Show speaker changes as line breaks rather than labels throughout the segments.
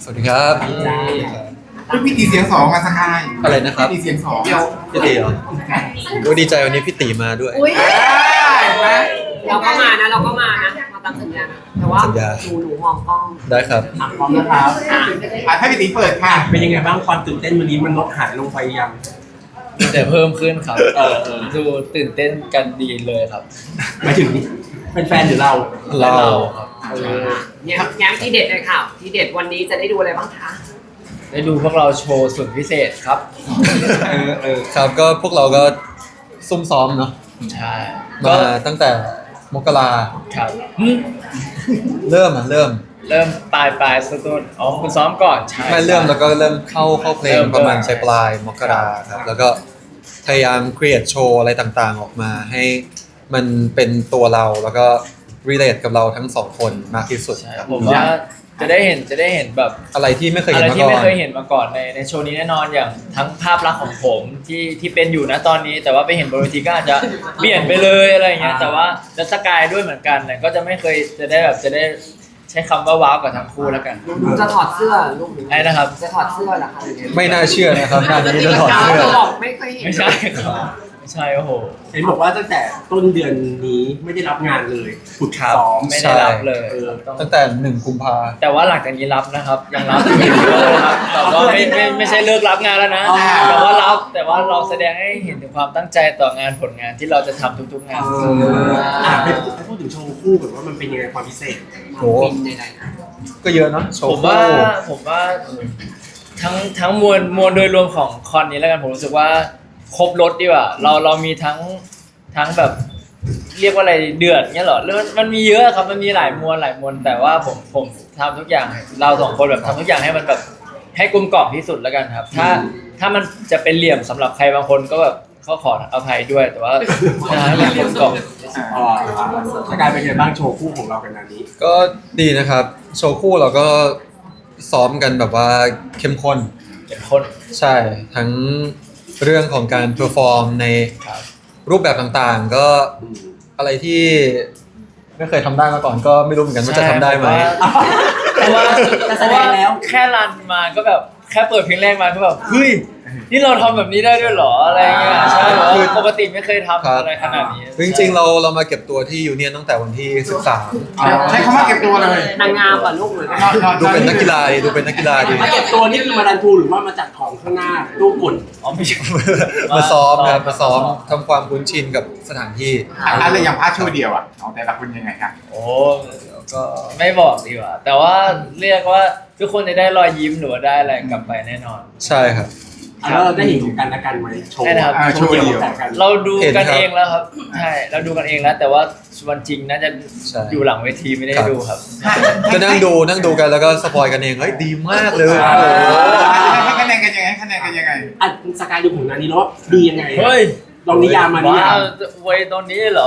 สวัสดีครับ
พี่ตีเสียงสองมาสกาย
อะไรนะครับ
พี่ตีเสียงสอง
พี่ตีเหรอโอ้ดีใจวันนี้พี่ตีมาด้วย
เห็นไหม
เราก็มานะมาตามสัญญานะแต่ว่า
สัญญา
หนูมองกล้อง
ได้ครับ
พร้อมนะครับ
ให้พี่ตีเปิดค่ะ
เป็นยังไงบ้างความตื่นเต้นวันนี้มันลดหายลงไปยัง
แต่เพิ่มขึ้นครับ
เออ
ดูตื่นเต้นกันดีเลยครับ
หมายถึงเป็นแฟนหรือเรา
เรา
ครับ
เนี่ยแง้มที่เด็ดเลยค่ะที่เด็ดวันนี้จะได้ดูอะไรบ้างคะ
ได้ดูพวกเราโชว์สุดพิเศษครับ
ครับก็พวกเราก็ซุ่มซ้อมเนาะ
ใช่
มาตั้งแต่มกรา
ครับ
เริ่ม
เริ่มปลายสุดๆอ๋อคุณซ้อมก่อนใช่
ไม่เริ่มแล้วก็เริ่มเข้าเพลงประมาณปลายมกราครับแล้วก็พยายามครีเอทโชว์อะไรต่างๆออกมาให้มันเป็นตัวเราแล้วก็ relate กับเราทั้งสองคนมากที่สุด
ใช่
ครับ
ผมว่าจะได้เห็นแบบ
อะไรที่ไม่เคย
อะ
เห็น
ไร
มา
ที่
ก่อ
ไม่
น
เคยเห็นมาก่อนในโชว์นี้แน่นอนอย่างทั้งภาพลักษณ์ของผมที่เป็นอยู่นะตอนนี้ แต่ว่าไปเห็นบนเวทีก็อาจจะเปลี่ยนไปเลยอะไรอย่างเงี้ยแต่ว่าจะสกายด้วยเหมือนกันเนี่ยก็จะไม่เคยจะได้ใช้คำว่าว้าวกับทั้งคู่แล้วกัน
หนูจะถอดเสื้อลูกหนู
ไอ้นะครับ
จะถอดเสื้อเหรอคะ
ไม่น่าเชื่อนะครับงานนี้จะถอดเสื้อ
บอกไม่เคยเห็น
ไม่ใช่ครับไม่ใช่โอ้โห
เห็นบอกว่าตั้งแต่ต้นเดือนนี้ไม่ได้รับงานเลยฝึกซ้อม
ไม่ได้รับเลย
ตั้งแต่1 กุมภา
แต่ว่าหลังจากนี้รับนะครับ ยังรับอยู่ครับแต่ว่าไม่ใช่เลิกรับงานแล้วนะแต่ว่าเราแสดงให้เห็นถึงความตั้งใจต่องานผลงานที่เราจะทำทุกๆงาน
ให้พูดถึงโชว์คู่ก่อนว่ามันเป็นยังไงความพิเศษ
โห
บินใดๆนะ
ก็เยอะเนาะโช
ผ
ว์
มว่าทั้งมวลโดยรวมของคอนนี้แล้วกันผมรู้สึกว่าครบรถดีกว่าเรามีทั้งแบบเรียกว่าอะไรเดือดเงี้ยเหรอแล้วมันมีเยอะครับมันมีหลายมวลแต่ว่าผมทำทุกอย่างเราสองคนแบบทำทุกอย่างให้มันแบบให้กลมกล่อมที่สุดแล้วกันครับ ถ้ามันจะเป็นเหลี่ยมสำหรับใครบางคนก็แบบเขาขออภัยด้วยแต่ว่าให้มันกลมกล่อม
สกายเป็นยังไงบ้างโชว์คู่ของเรากันอันนี้
ก็ดีนะครับ โชว์คู่เราก็ซ้อมกันแบบว่าเข้มข้น
เป็นคน
ใช่ ทั้งเรื่องของการเพอร์ฟอร์มใน
ครับ
รูปแบบต่างๆ ก็อะไรที่ไม่เคยทำได้มาก่อนก็ไม่รู้เหมือนกันว่าจะทำได้ไหม
เพราะว่า
จะแสดงแล้ว
แค่รันมาก็แบบแค่เปิดเพลงแรกมาก็แบบเฮ้ยนี่เราทำแบบนี้ได้ด้วยเหรออะไรเงี้ยใช่แบบว่าปกติไม่เคยทำอะไรขนาดนี้
จริงๆเรามาเก็บตัวที่ยูเนียนตั้งแต่วันที่
ใช้คำว่าเก็บตัวเลย
นางงามป่ะลูกหรือ
13ดูเป็นนักกีฬาดีดูเป็นนักกีฬาดี
มาเก็บตัวนี่คือมาดันทูหรือว่ามาจัดของข้างหน้ารูปกล
อ๋อไม่ใช่
มาซ้อมครับมาซ้อมทำความคุ้นชินกับสถานที่
อะไรอย่างพาร์ทโชว์เดียวอ่ะของแต่ละคนยังไงครับ
โอ้ก็ไม่บอกดีกว่า แต่ว่าเรียกว่าทุกคนจะได้รอยยิ้มหรือว่าได้อะไรกลับไปแน่นอน
ใช่ครับ
แล้วเราได้เห็นของกันและกันไหมโชว์
ได้นะครับ
โชว์เดียวกัน
เราดูกัน
เห็นครับ
เองแล้วครับใช่เราดูกันเองแล้ว แต่ว่าวันจริงน่าจะ
ใช่
อยู่หลังเวทีไม่ได้ดูครับ
ก็นั่งดูกันแล้วก็สปอยกันเองเฮ้ยดีมากเลย
ใช่
โอ้โห
ให้คะแนนกันยังไงคะแนนกันยังไง
อ่ะสกายดูของนันนี้แล้วดียังไง
เฮ้ย
ลองนิยามมานิยาม
ว้วไว้ตอนนี้เหรอ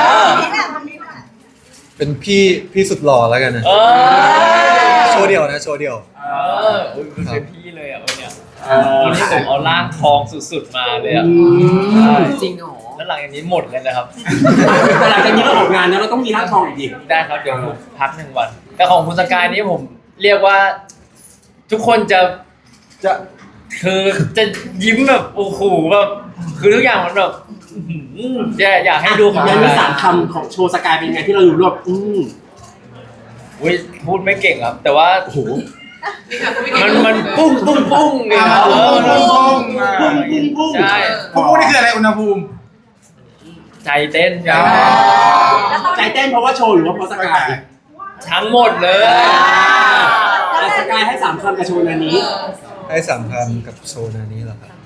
เป็นพี่สุดหล่อแล้วกันนะ
เออ
โชว์เดียวนะโชว์เดียว
อุ้ยเป็นพี่เลยอ่ะวันเนี้ยวันนี้ผมเอาร่างทองสุดๆมาเลยอ่ะ
จริงเหรอ
แล้วหลังจากนี้หมดเลยนะครับ
แต่หลังจากนี้เราออกงานนะเราต้องมีร่างทองอีกดิ
ได้ครับเดี๋ยวผมพัก1 วัน แต่ของคุณสกายนี่ผมเรียกว่า ทุกคนจะคือจะยิ้มแบบโอ้โหแบบคือทุกอย่างมันแบบอยากให้ดูของ
ยังมี3 คำของโชว์สกายเป็นไงที่เราอยู่รวบ
อุ้ยพูดไม่เก่งครับ แต่ว่า
โอ้โห
มันปุ้งเนี่ยครับ
ปุ้ง
ใช่
ปุ้งนี่คืออะไรอุณหภูมิ
ใจเต้นค
อ๋
รั
อบ
ใจเต้นเพราะว่าโชว์หรือว่าเพราะสกาย
ทั้งหมดเลย
แต่สกายให้3 คำกับโชว์นันนี้
ให้3 คำกับโชว์นานี้เหรอครับ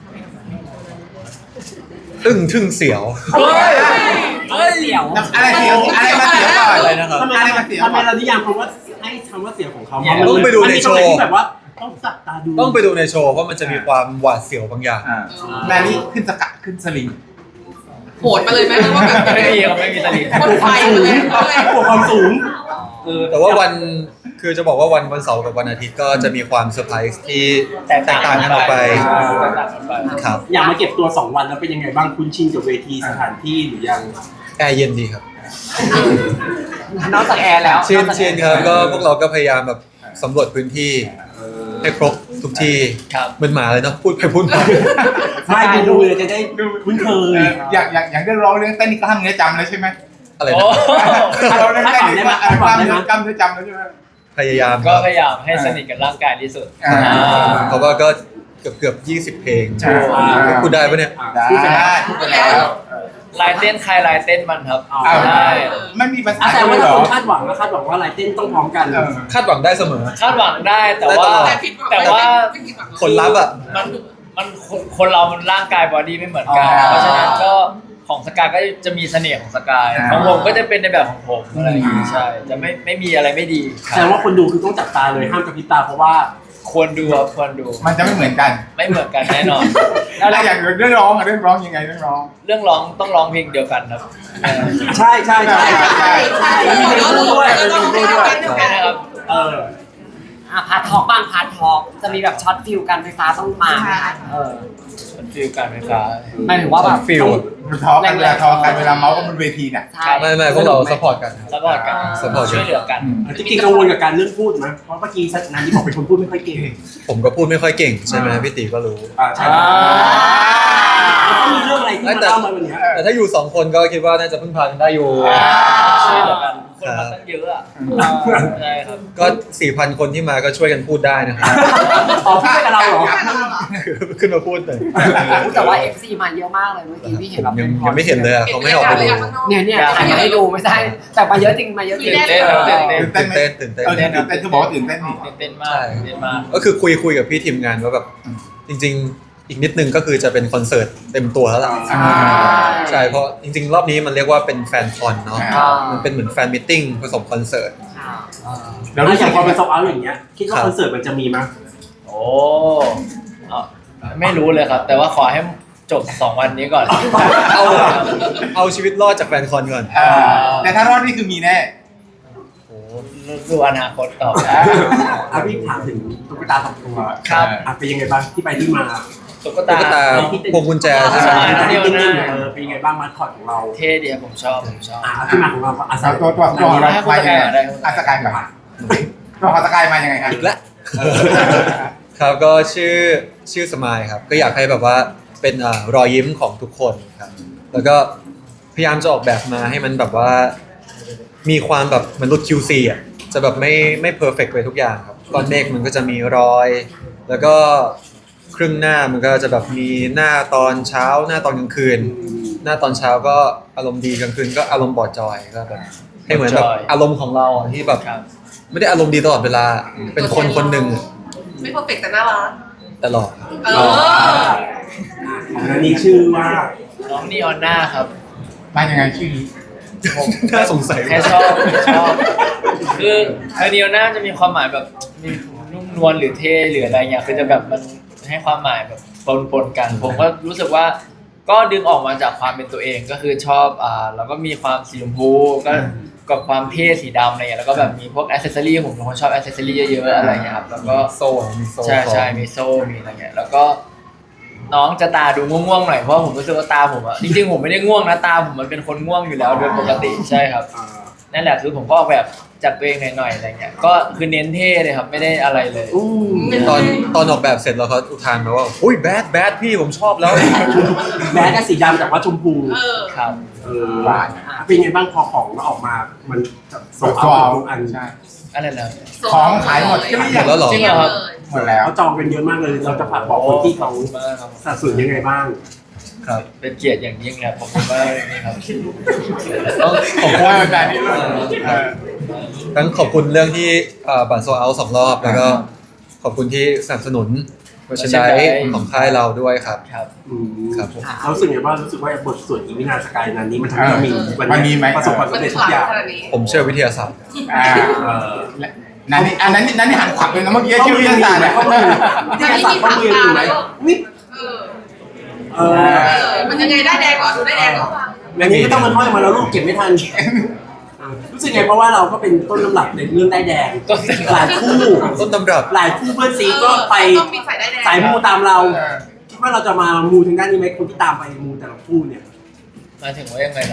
อึ้งทึ่งเสียว
เฮ้ย
เสี่ยว
อะไรเสียวอะไรมาเสียวก่อน
อะไรนะครับ
ทำไม
อะไรมาเสียว
ทำไมเรานิยามคำว่าให้คำว่าเสียงของเขา
ต้องไปดูในโชว์
มันมีตรงไหนที่แบบว่าต้องจับตาดู
ต้องไปดูในโชว์เพราะมันจะมีความหวาดเสียวบางอย่าง
นานี่ขึ้นสกัดขึ้นสลิง
โหดมาเลยไหมว่าแบบ
ไม่มีครับไม่มีตลิง
คนไฟเลยเอาเลย
กลัวความสูง
แต่ว่าคือจะบอกว่าวันเสาร์กับวันอาทิตย์ก็จะมีความเซอร์ไพรส์ที่แตกต่างกันออกไปครับ
อยากมาเก็บตัว2 วันแล้วเป็นยังไงบ้างคุ้นชินกับเวทีสถานที่หรือยัง
แอร์เย็นดีครับ
นอกจากแอร์แล้ว
เชียนครับก็พวกเราก็พยายามแบบสำรวจพื้นที่ให้ครบทุกที่
ครับ
เหมือนหมาเลยเนาะพูดไปพูดมา
ไม่ดูเลยจะได้คุ้นเคย
อย่างเรื่องร้องเรื่องเต้นนี่กล้ามเนื้อจำแล้วใช่ไหม
อะไร
โอ้
นะ
เราเรื่องเต้นนี่กล้ามเนื้อจำแล้วใช่ไหม
พยายาม
ก็พยายามให้สนิทกับร่างกายที่สุด
อ่า
เพราะว่าก็เกือบ20 เพลง
ใช่
พูดได้ปะเนี่ย
ได้พูดไปแล้ว
ลายเต้นใครลายเต้นมันครับ
อ๋อ
ใช่
ไม่มีภาษา
แต่
เล
ว่าย
เหร
ถ้า
อ
คนคาดหวังนะคาดหวังว่าลายเต้นต้องพร้อมกัน
คาดหวังได้เสมอ
คาดหวังได้แต่ว่า
ได้ตลอด
แต่ผิดหวัง
แต่ว่า
ไม่ผิดหวังหรอก
ผลลัพธ์อ่ะ
มันคนเรามันร่างกายบอดี้ไม่เหมือนกัน
อ๋อ
เพราะฉะนั้นก็ของสกายก็จะมีเสน่ห์ของสกาย
อ่า
ของผมก็จะเป็นในแบบของผมอะไรอย่างงี้ใช่จะไม่มีอะไรไม่ดี
แสดงว่าคนดูคือต้องจับตาเลยห้ามกระพริบตาเพราะว่า
ควรดูครับควรดู
มันจะไม่เหมือนกัน
ไม่เหมือนกันแน่นอน
แล้วอย่างเรื่องร้องอะเรื่องร้องยังไงเรื่องร้อง
เรื่องร้องต้องร้องเพลงเดียวกันครับ
ใช่ใช่ใช่
ใช่ใช่
แล้วมีเพลงคู่ด้วยมีเพลงคู่ด้วย
ใช่นะครับ
เออ
พาร์ททอล์กบ้างพาร์ททอล์กจะมีแบบช็อตฟิลกันไฟฟ้าต้องมาไหมคะเออ
มันฟีลการไฟฟ้า
หมายถึงว่าแบบ
ฟิล
มันทอกันเวลาทอกันเวลาเมาส์กันบนเวทีน่ะ
ใช่
ไม่พวกเราซัพพอร์ตกันครับ
ซัพพอร์ตกัน
support
ช่วยเหลือกัน
จริงๆกังวลกับการเรื่องพูดไหมเพราะเมื่อกี้นันที่บอกเป็นคนพูดไม่ค่อยเก่ง
ผมก็พูดไม่ค่อยเก่งใช่ไหมพี่ตีก็รู้
ใช่แล้วก็มีเรื่องอะไรที่มาเล่ามาวันนี้
แต่ถ้าอยู่2 คนก็คิดว่าน่าจะพึ่งพากันได้อยู่
ช่วยเหลือกันคนมาตั้งเยอะอ่ะใช่ครับ
ก็ 4,000 คนที่มาก็ช่วยกันพูดได้นะครับ
อ๋อพูดกับเราเหรอ
ขึ้นมาพูดหน่อย
แต่ว่า FC มาเยอะมากเลยเมื่อกี้พี่เห็นแบบ
ยังไม่เห็นเลยอะเขาไม่ให้ออกไปดู
เนี่ยถ่ายมาให้ดูไม่ใช่แต่มาเยอะจริงมาเยอะจริง
ตื่นเต้นครับตื่นเต้น
ตื่นเต้น
ตื่นเต้น
ตื่นเต้นคือบอกว่าตื่นเต้นนี่
ตื่นเต้นมากตื่นเต้นมาก
ก็คือคุยกับพี่ทีมงานว่าแบบจริง ๆ อีกนิดนึงก็คือจะเป็นคอนเสิร์ตเต็มตัวแล้วล่ะใช่เพราะจริง ๆ รอบนี้มันเรียกว่าเป็นแฟนคอนเนาะมันเป็นเหมือนแฟนมิทติ้งผสมคอนเสิร์ต
แล้วรู้สึกพอเป็นโซเอาอย่างเงี้ยคิดว่าคอนเสิร์ตมันจะมีมั้ย
โอ้ไม่รู้เลยครับ แต่ว่าขอให้จบ2 วันนี้ก่อน
เอาชีวิตรอดจากแฟนคอนก่อน
แต่ถ้ารอดนี่คือมีแน่
โอ้ดูอนาคตต่อไป
พี่ถามถึงตุ๊กตาสองตัว
ครับ
เป็นยังไงบ้างที่ไปที่มา
ตุ๊ก
ตุ๊กตา
ตา
พวงกุญแจใช่ไหม
เป็นยังไงบ้างมาคอดของเรา
เท่ดีครับผมชอบ
ที่มาของเราอาศัย
ตัวเรามายังไงอาสกายมาตัวของสกายมายังไงครับ
อีกแล้ว ครับก็ชื่อสมายครับก็อยากให้แบบว่าเป็นรอยยิ้มของทุกคนครับแล้วก็พยายามจะออกแบบมาให้มันแบบว่ามีความแบบเหมือนรุ่น QC อ่ะจะแบบไม่เพอร์เฟกต์ไปทุกอย่างครับก้อนเมฆมันก็จะมีรอย แล้วก็ครึ่งหน้ามันก็จะแบบมีหน้าตอนเช้าหน้าตอนกลางคืน หน้าตอนเช้าก็อารมณ์ดีกลางคืนก็อารมณ์บอดจอยก็แบบให้เหมือนแบบอารมณ์ของเราอะที่แบบ
ครับ
ไม่ได้อารมณ์ดีตลอดเวลาเป็นคนคนหนึ่ง
ไม่เพอร์เฟกต์แต่น่ารัก
ตลอด
เออ
อันนี้ชื่อว่า
น้องนีออนหน้าครับ
มายังไงชื่อนี้
น่าสงสัย
แค่ชอบ คือนีออนหน้าจะมีความหมายแบบมีนุ่มนวลหรือเท่หรืออะไรเงี้ยคือจะแบบมันให้ความหมายแบบปนกัน ผมก็รู้สึกว่าก็ดึงออกมาจากความเป็นตัวเองก็คือชอบแล้วก็มีความสีชมพูก็กับความเท่สีดำอะไรเงี้ยแล้วก็แบบมีพวกอ c เซสซอรี่ผมเป็นคนชอบอ c เซสซอรี่เยอะๆอะไรเงี้ยครับแล้วก็
โซ่มีโซ่
ใช่มีโซ่มีอะไรเงี้ยแล้วก็น้องจะตาดูง่วงๆหน่อยเพราะผมรู้สึกว่าตาผมอะจริงๆผมไม่ได้ง่วงนะตาผมมันเป็นคนง่วงอยู่แล้วโดยปกติใช่ครับนั่นแหละคือผมก็ออกแบบจากตัวเองหน่อยๆอะไรเงี้ยก็คือเน้นเท่เลยครับไม่ได้อะไรเลย
ตอนออกแบบเสร็จแล้วเขาอุทานมาว่าอุ้ยแบดพี่ผมชอบแล้ว
แม้แต่สีดำแต่ว่าชมพู
เออ
ครับ
เป็นไงบ้างพอของออกมามันโซเอาทุกอัน
ใช่
อะไรนะ
ของขายหมดเกลี้ยง
แล้วเหรอ
จริงเหรอครับ
หมดแล้ว
เขาจองกันเยอะมากเลยเราจะฝากบอกคนที่เขา
มากครับ
สัดส่วนยังไงบ้าง
ครับ
เป็นเกียรติอย่างยิ่งเลยผมว่านี่ครับ
ต้องขอบ
โอ้
คุณ
ยแบบนี้เลย
ทั้งขอบคุณเรื่องที่บัตรโซเอา2 รอบแล้วก็ขอบคุณที่สนับสนุนเวอร์ชันไดของค่ายเราด้วยครับ
ครับ
ครับผม
เรารู้สึกไงว่ารู้สึกว่าบทสวดอีวินาสกายนั้นนี้มันทำให้เรามีวันนี้ประสบความ
มัน
สำเร็จ
ข
ทุ
ลั
ก
ง
อย่าง
ขนาดนี้
ผมเชื่อวิทยาศาสตร์
นั่นนี่อันนั้นนี่หันขวับเลยนะเมื่อกี้ชื่อวิทยาศาสตร์เนี่ย
ข้อมือวิทยาศาสตร์ข้อมืออยู่ไหมนี่
เออ
เออ
มันยังไงได้แดงก่อนดูได้แดงก่อน
อันนี้ไม่ต้องมันห้อยมาแล้วลูกเก็บไม่ทันรู้สึกไงเพราะว่าเราก็เป็นต้นลำดับในเรื่องได้แดงหลายคู่
ต้นตำรับ
หลายคู่เพื่อนซีก็ไป
ต้องมีสายได้แดง
สายมูตามเราคิดว่าเราจะมามูทางด้านนี้ไหมคนที่ตามไปมูแต่ละคู่เนี่ย
หมายถึงว่ายังไงนะครับ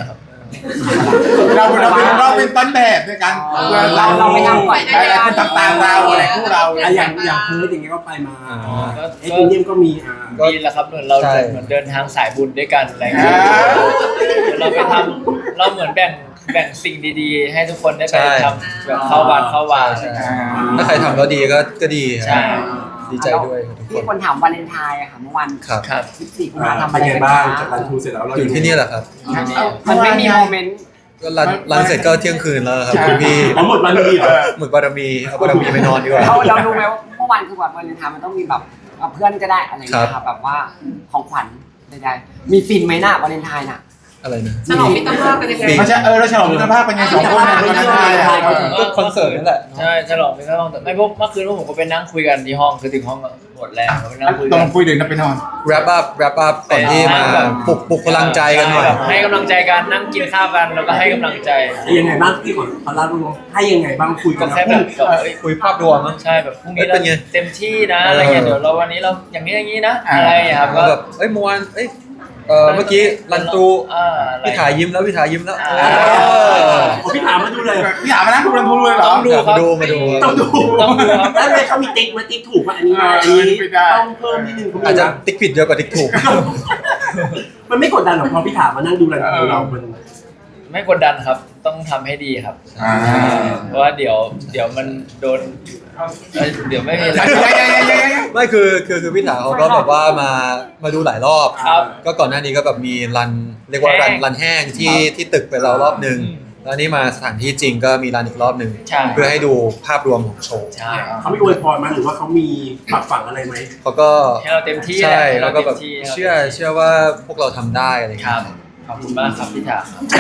เราเป็นต้นแบบในการเราไม่ทำก่อนอะไรคุณทำตามเราอะไรคู่เรา
อย่างเพิร์ดอย่างเงี้ยก็ไปมาไอ้คุณเยี่ยมก็มี
ดีแล้วครับเหมือนเราเหมือนเดินทางสายบุญด้วยกันอะไรเงี้ยเราไปทำเราเหมือนแบ่งสิ่งดีๆ ให้ทุกคนได้ไปทำแบบเข้าวัดเข้าวา
ถ้าใครทำแล้วดีก็ดี
ใช่
ดีใจด้วยทุกค
มี
น
คนถามวาเลนไทน์อะค่ะเมื่อวัน
ครับ
ครับ
14กุมภาพันธ์ทำ
เป็
อะ
น
ไร
ไง
กัน
บ้าง
คะ
จากรันทูเสร็จแล้วเรา
อยู่ที่นี่แหละครับ
มันไม่มีโมเมนต์
ก็รันเสร็จก็เที่ยงคืนแล้วครับคุณพี่
ทั้งหมดมันมีเหรอ
หมึกบารมีเอาบารมีไปนอนดีกว่า
เรารู้ไหมว่าเมื่อวานคือแบบวาเลนไทน์มันต้องมีแบบเพื่อนก็ได้อะไรอย่างเงี้ยค่ะแบบว่าของขวัญใดๆมีฟินไหมน่ะวาเลนไทน์น่ะ
อะไรนะ
ฉลองมิตรภาพเป็นยังไง
ไม่ใช่เราฉลองมิตรภาพเป็นไงสองคนในวันนั้น
ก็คอนเสิร์ตนั่นแหละ
ใช่ฉลองไปข้างห้องแต่ไม่พวกเมื่อคืนผมก็ไปนั่งคุยกันที่ห้องคือถึงห้องหมดแรงไปนั่งคุย
ต้
กั
อน งคุยดึกนะไปนอน
wrap up ก่อนที่มาปลุกพลังใจกันหน่อย
ให้กำลังใจกันนั่งกินข้าวกันแล้วก็ให้กำลังใจ
ยังไงบ้างที่ก่อนตอนแรกรู้ให้ยังไงบ้างคุยกั
ก็
น
แค่แบบเอ้ย
คุยภาพรวมมั้ง
ใช่แบบพรุ่งนี้
เป็
เรา
นไง
เต็มที่นะอะไรเงี้ยเดี๋ยวเราวันนี้เราอย่างนี้อย่างนี้นะอะไรอย่างเงี้ยครับ
ก็
ก็
แบบเมื่อวานเมื่อกี้รันตู
อะไร
พี่ถ่ายยิ้มแล้ว
พี่ถามมาดูเลย
พี่ถามมานั่งดูรันทูเลยเหรอ
ต้องดูครับ
มาดู
ต้องดู
ต้องดูครับ
แล้วเลยเขามีติ๊กมาติ๊กถูกว่าอันนี้มาอันนี้ต้องเพิ่มนิดนึง
อาจจะติ๊กผิดเยอะกว่าติ๊กถูก
มันไม่กดดันหรอกพอพี่ถามมานั่งดูรันทูเรามัน
ไม่กดดันครับต้องทำให้ดีครับเพราะว่าเดี๋ยวมันโดนเดี๋ยวไม่มีอะไร
ไม่คือพี่ถาเขาก็แบบว่ามาดูหลายรอบ
ครับ
ก็ก่อนหน้านี้ก็แบบมีเรียกว่ารันแห้งที่ตึกไปแล้วรอบนึง แล้วนี่มาสถานที่จริงก็มีรันอีกรอบนึง
ใช่
เพื่อให้ดูภาพรวมของโชว์
ใช่
เขามีอวยพรมาหรือว่าเขามีปรับฝังอะไรไหม
เขาก็
ให้เราเต็มที่
ใช่
ให้
แล้
เรา
วก็แบบ
เต็มที่
เชื่อว่าพวกเราทำได้อะไรอย่าง
ค
เงี้
รั
ย
บขอบคุณมากครับพี่ถา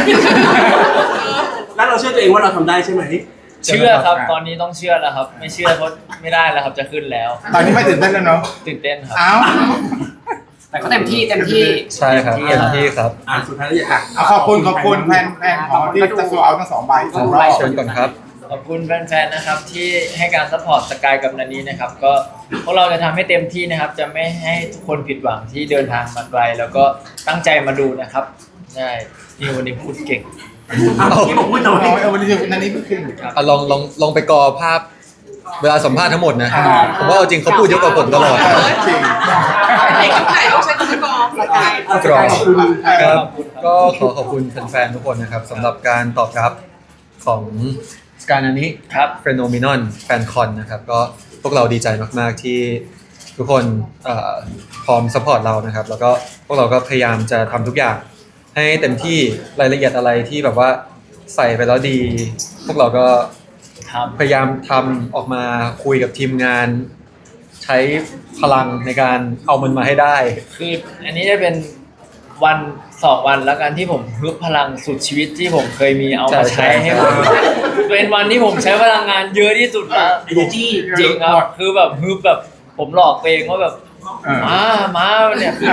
แล้วเราเชื่อตัวเองว่าเราทำได้ใช่ไหม
เชื่อครับตอนนี้ต้องเชื่อแล้วครับ ไม่เชื่อเพราะไม่ได้แล้วครับจะขึ้นแล้ว
ตอนนี้ไม่ตื่นเต้นแล้วเนาะ
ตื่นเต้นครับ
อ้าว
แต่ก็เต็มที่
ใช่ครับเต็มที่ครับ
สุดท้ายแล้วอยาก
ขอบคุณแฟนของที่จะโซเอาทั้ง2ใบ2รอบ
เชิญก่อนครับ
ขอบคุณแฟนๆนะครับที่ให้การซัพพอร์ตสกายกับนันนี้นะครับ ก็พวกเราจะทำให้เต็มที่นะครับ จะไม่ให้ทุกคนผิดหวังที่เดินทางมาไกล แล้วก็ตั้งใจมาดูนะครับใช่นี่วันนี้พูดเก่ง
ที่ผมพูดตอน
น้
นี้
อยวันนี้นันนี้ไม่ขึ้น
ลองไปกอภาพเวลาสัมภาษณ์ทั้งหมดนะผมว่าเอาจริงเขาพูดเยอะกว่าผมตลอด
จริง
เด็กถ่ายรูปใช้ตัวกรองสกาย
กรอบ
ขอบคุณ
ครับ
ขอบคุณครับ
ก็ขอบคุณแฟนๆทุกคนนะครับสำหรับการตอบรับของสการอันนี้
ครับ
เฟโนมินอนแฟนคอนนะครับก็พวกเราดีใจมากๆที่ทุกคนพร้อมสปอร์ตเรานะครับ แล้วก็พวกเราก็พยายามจะทำทุกอย่างให้เต็มที่รายละเอียดอะไรที่แบบว่าใส่ไปแล้วดี พวกเราก็
ครับ
พยายามทำออกมาคุยกับทีมงาน ใช้พลังในการเอามันมาให้ได้
คืออันนี้จะเป็นวัน2 วันแล้วกันที่ผมฮึบพลังสุดชีวิตที่ผมเคยมีเอามาใช้ให้ผมเป็นวันที่ผมใช้พลังงานเยอะที่สุดแล้ว
energy
จริงครับคือแบบฮึบแบบผมหลอกตัวเองว่าแบบมาเนี่ยคือ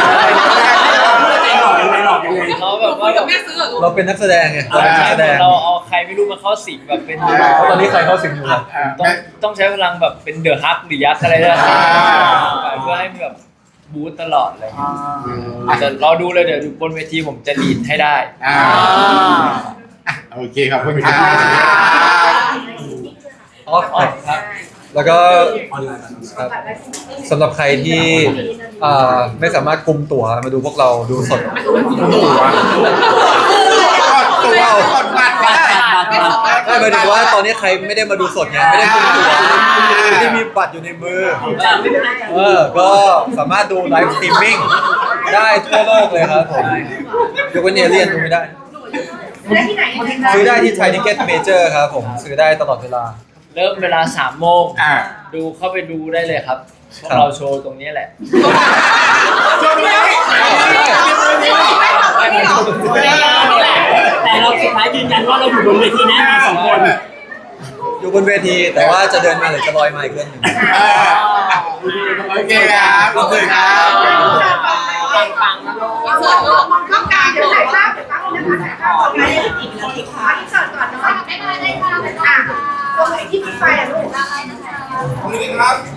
หลอกยังไงหลอกยังไง
เขาแบบว่าแบบ
แม่ซื้อเหรอลูก
เราเป็นนักแสดงไงเราเป็นนักแสดง
เราเอาใครไม่รู้มาเข้าสิงแบบเป็น
ตอนนี้ใครเข้าสิงอยู่ครับ
ต้องใช้พลังแบบเป็นเดอะฮักหรือยักษ์อะไรนะเพื่อให้แบบบูตตลอดเลยแต่รอดูเลยเดี๋ยวบนเวทีผมจะลีดให้ได้
โอเคขอบคุณครับ
อ๋อครับ แล้วก็
ออนไลน์
ครับสำหรับใครที่ไม่สามารถกุมตั๋วมาดูพวกเราดูสด
ตัวกดบัตรได้
ไม่หมายถึงว่าตอนนี้ใครไม่ได้มาดูสดไงไม่ได้กุมตั๋วไม่ได้มีบัตรอยู่ในมือก็สามารถดูไลฟ์สตรีมมิ่งได้ทั่วโลกเลยครับผมยกเว้นเอเลี่ยนดูไม่ได้ซื้อได้ที่ไทยทิเก็ตเมเจอร์ครับผมซื้อได้ตลอดเวลา
เริ่มเวลา3 โมงดูเข้าไปดูได้เลยครับพวกเราโชว์ตรงนี้แหละ
แต่เราสุดท้ายยืนยันว่าเราอยู่บนเวทีนะสองคน
อยู่บนเวทีแต่ว่าจะเดินมาหรือจะลอยมาอีกเรื่องหนึง
โอเคครับขอบคุณครับ
ปังๆนะลูก
อินเสิร์ตลูกต้องการลูก
ถ่ายภาพอีกนาทีค่ะอินเสิร์ตก่อนเนาะได้ค่ะตรงไหนที่มีไฟอะลูก
ขอบคุณครับ